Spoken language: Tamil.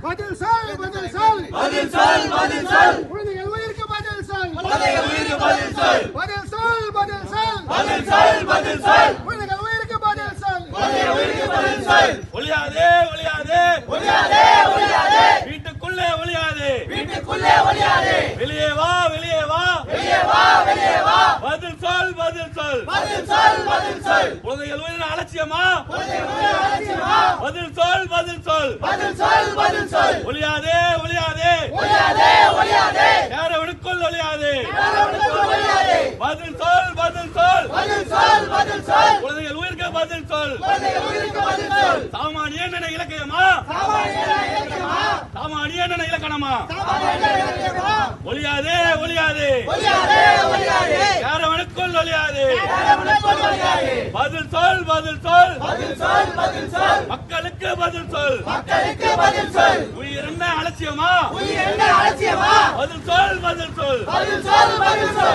பதில் சொல் பதில் சொல் பதில் சொல் பதில் சொல் குழந்தைகள் உயிருக்கு பதில் சொல் குழந்தைகள் உயிருக்கு பதில் சொல் பதில் சொல் பதில் சொல் பதில் சொல் பதில் சொல் குழந்தைகள் உயிருக்கு பதில் சொல் குழந்தைகள் உயிருக்கு பதில் சொல் ஒளியாதே ஒளியாதே ஒளியாதே ஒளியாதே வீட்டுக்குள்ளே ஒளியாதே வீட்டுக்குள்ளே ஒளியாதே வெளியே வா வெளியே வா வெளியே வா வெளியே வா பதில் சொல் பதில் சொல் பதில் சொல் பதில் சொல் குழந்தைகள் உயிரின் அலட்சியமா குழந்தைகள் உயிரை அலட்சியமா பதில் சொல் பதில் சொல் பதில் சொல் பதில் சொல் ஒளியாதே ஒளியாதே ஒளியாதே ஒளியாதே யாரவனுக்குள் ஒளியாதே யாரவனுக்குள் ஒளியாதே பதில் சொல் பதில் சொல் பதில் சொல் பதில் சொல் குழந்தைகள் உயிருக்கு பதில் சொல் குழந்தைகள் உயிருக்கு பதில் சொல் சாமானியன் என இலக்கியமா சாமானியன இலக்கியமா சாமானியன் என இலக்கணமா சாமானியன இலக்கியமா ஒளியாதே ஒளியாதே ஒளியாதே ஒளியாதே யாரவனுக்குள் ஒளியாதே யாரவனுக்குள் ஒளியாதே பதில் சொல் பதில் சொல் பதில் சொல் பதில் சொல் மக்களுக்கு பதில் சொல் மக்களுக்கு பதில் சொல் உயிர் என்ன அலட்சியமா உயிர் என்ன அலட்சியமா பதில் சொல் பதில் சொல் பதில் சொல் பதில் சொல்